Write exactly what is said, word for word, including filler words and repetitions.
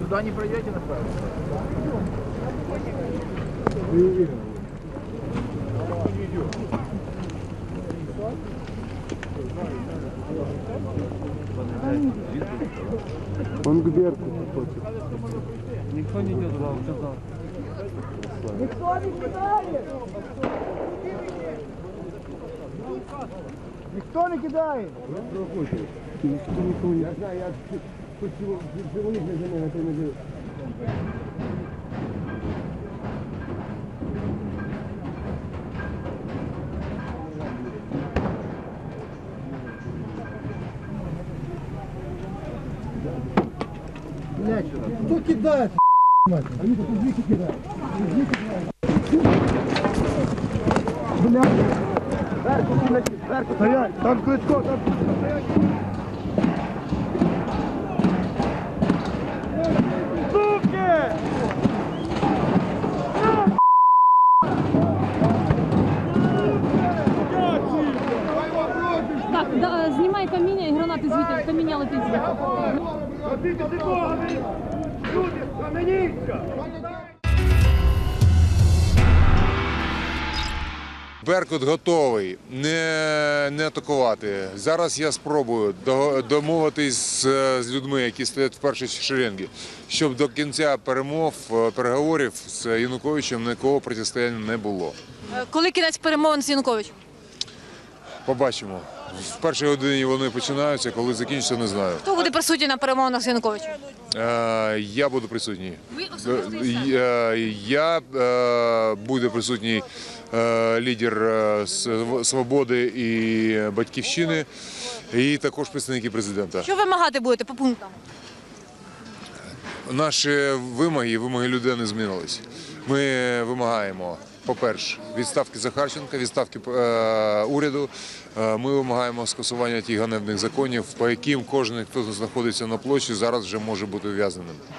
Туда не пройдете, напевно? Он к Берку хочет. Никто не идет туда, вот туда. Никто не кидает! Никто не кидает! Никто никого не... Я знаю, я хоть живу не для меня, это не делаю. Кто кидает? Они тут извики кидают. Блядь. Стоять, там Кличко, там стоять. Суки! Так, да, знімай каміння і гранати звідти, каміння летить звідти. Люди, схаменіться! Беркут готовий не, не атакувати. Зараз я спробую домовитись з, з людьми, які стоять в першій шеренгі, щоб до кінця перемов, переговорів з Януковичем ніякого протистояння не було. Коли кінець перемовин з Януковичем? Побачимо. В першій годині вони починаються, коли закінчаться, не знаю. Хто буде присутній на перемовинах з Януковичем? Е, я буду присутній. Ви особисто і сам? Е, я е, буде присутній е, лідер е, «Свободи» і «Батьківщини», і також представники президента. Що вимагати будете по пунктам? Наші вимоги, вимоги людей не змінились. Ми вимагаємо, по-перше, відставки Захарченка, відставки е, уряду. Е, ми вимагаємо скасування тих ганебних законів, по яким кожен, хто знаходиться на площі, зараз вже може бути ув'язненим.